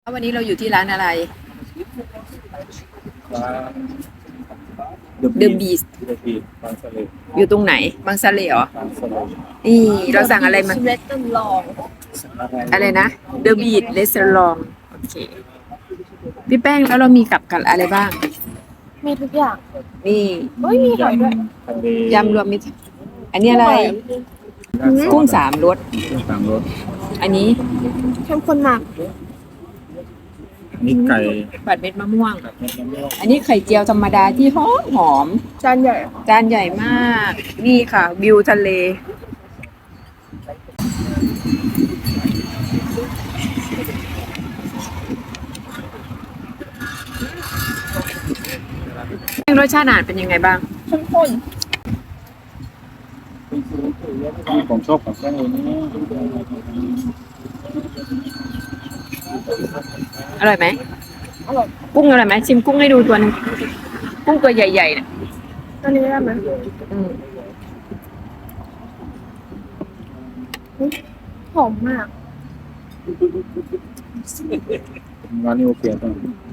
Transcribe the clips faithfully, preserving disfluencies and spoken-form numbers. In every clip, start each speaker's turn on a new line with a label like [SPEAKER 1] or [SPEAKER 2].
[SPEAKER 1] วันนี้เราอยู่ที่ร้านอะไร
[SPEAKER 2] ร้าน
[SPEAKER 1] The Beast
[SPEAKER 2] The Beast บางสะเล
[SPEAKER 1] อยู่ตรงไหนบางสะเลเหรอ
[SPEAKER 2] บางสะเล
[SPEAKER 1] นี่เราสั่งอะไรมา
[SPEAKER 3] เรสต์ลอง
[SPEAKER 1] อะไรนะ The Beast Restaurant โอเค พี่แป้งแล้วเรามีกับกันอะไรบ้าง
[SPEAKER 3] มีทุกอย่าง
[SPEAKER 1] นี่
[SPEAKER 3] เฮ้ยมีหอยด้วย
[SPEAKER 2] ทะเลย
[SPEAKER 1] ำรวมมิตรอันนี้อะไร กุ้งสามรส
[SPEAKER 2] กุ้งสามรส
[SPEAKER 1] อันนี้
[SPEAKER 3] เข้มข้นมาก
[SPEAKER 2] อันนี่ไก่
[SPEAKER 1] ผัดเม็ดมะม่วง
[SPEAKER 2] กับเม็ดมะม่วง
[SPEAKER 1] อันนี้ไข่เจียวธรรมดาที่หอมหอม
[SPEAKER 3] จานใหญ่
[SPEAKER 1] จานใหญ่มาก นี่ค่ะ วิวทะเล รสชาติอาหารเป็นยังไงบ้าง
[SPEAKER 3] เข้มข้น
[SPEAKER 2] ผมชอบกับแป้งนี้
[SPEAKER 1] อร่อยไหม
[SPEAKER 3] อร่อย
[SPEAKER 1] กุ้งอร่อยไหมชิมกุ้งให้ดูตัวหนึงกุ้งตัวใหญ่ๆเนี่ย
[SPEAKER 3] อันนี้ได้ไหม
[SPEAKER 1] อืม
[SPEAKER 3] หอมมาก
[SPEAKER 2] ร้านนี้โอเคจัง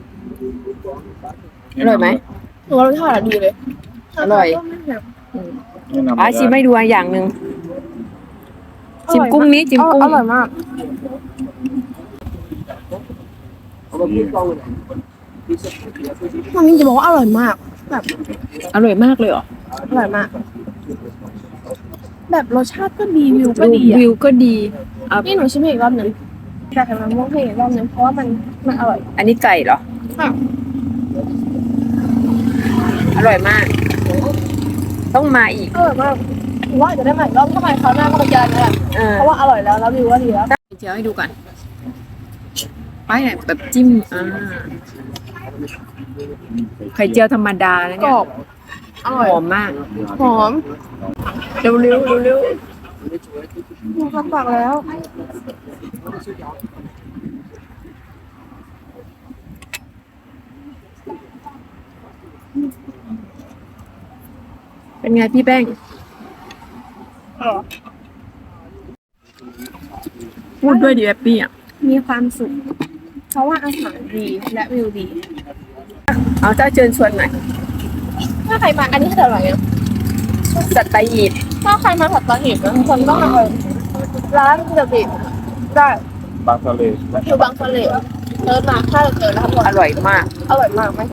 [SPEAKER 1] อร่อยไหม
[SPEAKER 3] หนูว่ารสชาติอะดีเลย
[SPEAKER 1] อร่อย
[SPEAKER 3] ก็ไม่แบบ
[SPEAKER 1] อืม
[SPEAKER 2] แนะนำ
[SPEAKER 1] อ่ะชิมให้ดูอย่างหนึ่งชิมกุ้งนี้ชิมกุ้ง
[SPEAKER 3] อร่อยมากมันมีจะบอกว่าอร่อยมาก แบบ
[SPEAKER 1] อร่อยมากเลยเหรอ
[SPEAKER 3] อร่อยมาก แบบรสชาติก็ดีวิวก็ดี
[SPEAKER 1] วิ
[SPEAKER 3] อ่ะ
[SPEAKER 1] วก็ดีเอา
[SPEAKER 3] นี่หนูชิมอีกรอบหนึ่งแต่ทำไมม่วงให้อีกรอบหนึ่งเพราะว่ามันมันอร่อย
[SPEAKER 1] อันนี้ไก่เหรอ
[SPEAKER 3] ค่ะ
[SPEAKER 1] อร่อยมาก ต้องมาอีก
[SPEAKER 3] อร่อยมากหนูว่าอาจจะได้มาอีกรอบถ้ามาคราวหน้าก็มาเจอกันนั่นแหละ
[SPEAKER 1] เออ
[SPEAKER 3] เพราะว่าอร่อยแล้วแล้ววิวก็ดีแล้ว
[SPEAKER 1] เจียวให้ดูก่อนไปไหนแบบจิ้มอ่าไข่เจียวธรรมดานะ
[SPEAKER 3] ก
[SPEAKER 1] เนี่
[SPEAKER 3] ร
[SPEAKER 1] ย
[SPEAKER 3] อบอ
[SPEAKER 1] ห
[SPEAKER 3] ร่อย
[SPEAKER 1] อมมาก
[SPEAKER 3] หอม
[SPEAKER 1] เร็วเร็วเร็วเร็ว
[SPEAKER 3] หนูทำปากแล้ว
[SPEAKER 1] เป็นไงพี่แป้ง พูดด้วยดีแฮปปี้อ่ะ
[SPEAKER 3] มีความสุข เพราะว่าอาหารดีและวิวดี
[SPEAKER 1] เอาเจ้าเชิญชวนหน่อย
[SPEAKER 3] ถ้าใครมาอันนี้คืออร่อยนะ
[SPEAKER 1] สัตหีบ
[SPEAKER 3] ถ้าใครมาผัดตอนหิบนะคนต้องมาเลยร้านเดอะบิทได้
[SPEAKER 2] บางสะเล
[SPEAKER 3] อยู่บางสะเลเดินมาถ้าเราเจอแล้วทั้งหมด
[SPEAKER 1] อร่อยมาก
[SPEAKER 3] อร่อยมากไหม